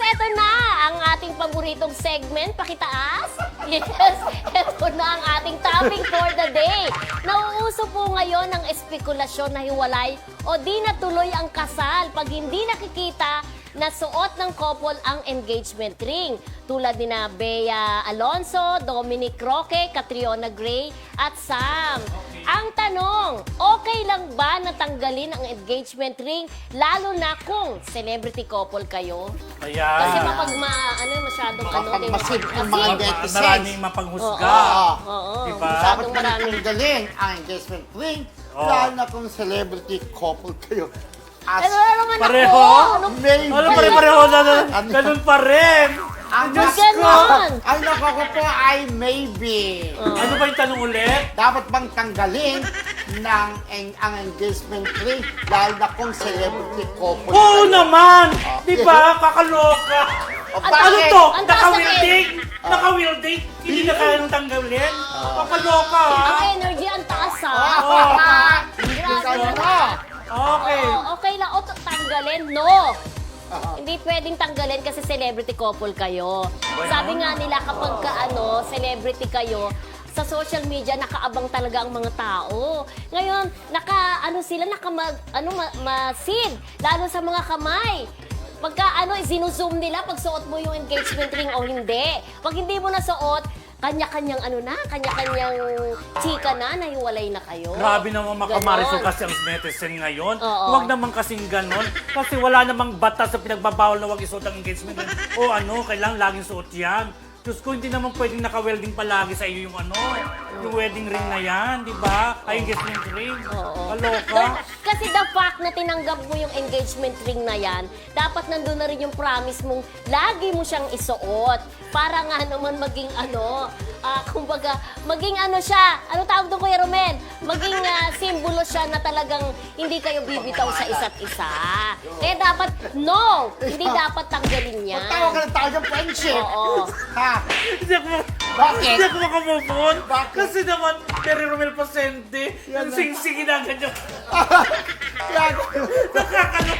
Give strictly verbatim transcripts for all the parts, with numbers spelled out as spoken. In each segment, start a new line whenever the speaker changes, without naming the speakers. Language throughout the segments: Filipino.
eto na ang ating paboritong segment, pakitaas. Yes, eto na ang ating topic for the day. Nauuso po ngayon ang espekulasyon na hiwalay o di natuloy ang kasal pag hindi nakikita na suot ng couple ang engagement ring. Tulad ni na Bea Alonso, Dominic Roque, Catriona Gray at Sam. Ang tanong, okay lang ba natanggalin ang engagement ring lalo na kung celebrity couple kayo?
Ayan.
Kasi mapag ma, ano, masyadong ano, di ba?
Mapagmasid ang mga
Kasi-
netizens.
Maraming mapanghusga.
Oo.
Oo.
Diba?
Dapat
Masyadong
mo
maraming.
natanggalin ang engagement ring,
Oo.
lalo na kung celebrity couple kayo. As
Ano na naman
Pareho?
ako? Ano?
maybe.
Ano pare-pareho na na?
Ano?
Ganun pa rin.
Ang
Diyos
Diyos ko,
ganon.
ang nako ko po ay maybe.
Ano ba yung tanong ulit?
Dapat bang tanggalin ng ang, ang engagement ring, lalo na kung celebrity couple
Oo
kayo?
naman! Di ba? Kakaloka!
O,
Ang-
Ano
bakit?
to?
Ang taas na
Naka-wielding? Naka-wielding? Hindi na kaya nang tanggalin? Kakaloka ha?
Ang energy, ang taas ha.
Ah,
Grabe.
ano?
Okay.
Oo, okay lang. O, tanggalin? No. Hindi pwedeng tanggalin kasi celebrity couple kayo. Sabi nga nila kapag ka, ano, celebrity kayo, sa social media nakaabang talaga ang mga tao. Ngayon, naka ano sila naka mag, ano ma, masid lalo sa mga kamay. Pagka ano, sinuzoom nila pag suot mo yung engagement ring o hindi. Pag hindi mo na suot, kanya-kanyang ano na, kanya-kanyang chika na, nahiwalay na kayo.
Grabe naman makamarisol
Ganon.
kasi ang netizen ngayon.
Oo.
Huwag naman kasing ganon. Kasi wala namang batas sa pinagbabawal na huwag isuot ang engagement ring. O ano, kailangan laging suot yan. Diyos ko, hindi naman pwedeng naka-welding palagi sa iyo yung ano, yung wedding ring na yan, di ba? Ay, engagement ring.
Oo.
Kaloka.
Don't- Kasi the fact na tinanggap mo yung engagement ring na yan, dapat nandun na rin yung promise mong lagi mo siyang isuot. Para nga naman maging ano, ah, kumbaga, maging ano siya, ano tawag doon Kuya Romen? Maging ah, simbolo siya na talagang hindi kayo bibitaw sa isa't isa. Kaya dapat, no! Hindi dapat tanggalin yan.
Tawag ka ng tawag ng friendship.
Oo.
Ha?
Hindi ako,
Bakit?
hindi ako makamove on.
Bakit?
Kasi naman, Terry Romel Pasente, yung sing-singin na ganyan.
Yan.
Nakakalo.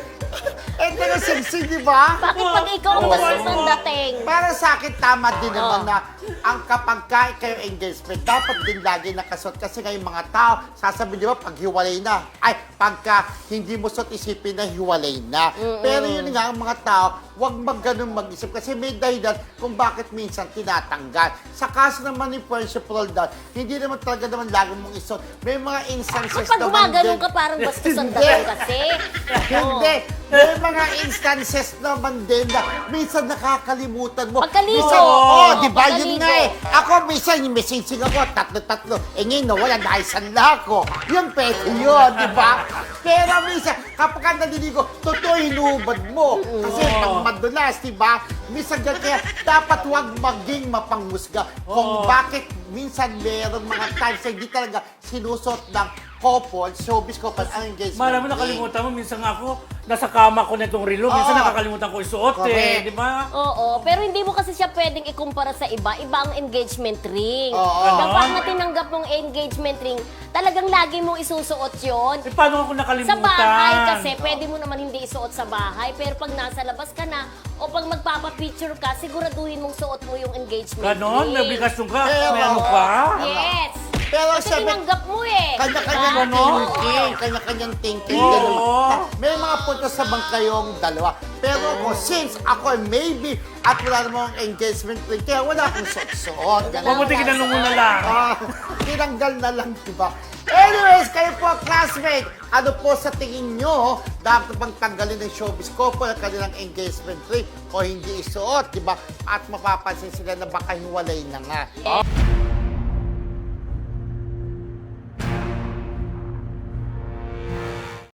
Eh, taga singsing, di ba?
Bakit pag ikaw ang
Oo.
bastos ng dating?
Para sa akin, tama din
Oo.
naman na ang kapag ka kayo engagement, dapat din lagi nakasuot. Kasi ngayon mga tao, sasabihin di ba, pag hiwalay na, ay, pagka hindi mo suot isipin na hiwalay na. Pero yun nga, ang mga tao, huwag mag ganun mag-isip. Kasi may dahilan kung bakit minsan tinatanggal. Sa kaso naman ni Friendship Roldan, hindi naman talaga naman lagi mong isuot. May mga instances
Kapag
naman
gumagano'n
din.
ka, parang bastos ang
Hindi.
dating kasi.
Hindi. May mga instances naman din na minsan nakakalimutan mo.
Pagkaligo.
Minsan, oh, di ba?
Pagkaligo.
Yun nga eh. Ako minsan, yung messaging ako, tatlo-tatlo. Eh ngayon, nawala, naisanla ako. Yun, pwede yun, di ba? Pero minsan, kapag ka naliligo, totoo hinubad mo. Kasi pag madulas, di ba? Minsan ganyan, kaya dapat huwag maging mapanghusga kung
Oo.
bakit minsan merong mga times na hindi talaga sinusot ng couple, showbiz couple, ang engagement.
Malam mo,
ring.
nakalimutan mo. Minsan nga ako, nasa kama ko na itong relo. Minsan
Oo.
nakakalimutan ko isuot eh.
Correct.
Di ba?
Oo, pero hindi mo kasi siya pwedeng ikumpara sa iba. Iba ang engagement ring.
Oo.
Kapag na tinanggap mong engagement ring, talagang lagi mong isusuot yon.
Eh, paano ako nakalimutan?
Sa bahay kasi, pwede mo naman hindi isuot sa bahay. Pero pag nasa labas ka na, o pag magpapapicture ka, siguraduhin mong suot mo yung engagement
Ganon?
ring.
May obligasyon ka?
Pero-
May ano pa?
Yes.
Pero
Kasi
sabi-
tinanggap mo eh.
Kanya-kanyang
Diba?
thinking, kanya-kanyang thinking.
Oo.
ganun. May mga puntos sa bang kayong dalawa. Pero ako, since ako ay maybe at wala namang engagement ring, kaya wala akong suot-suot. ganun.
Mabuti kinanong mo na lang.
Ah, tinanggal na lang, diba? Anyways, kayo po, classmate, ano po sa tingin nyo, dapat bang tanggalin ng showbiz couple ang kanilang engagement ring o hindi isuot, diba? At mapapansin sila na baka hiwalay na nga.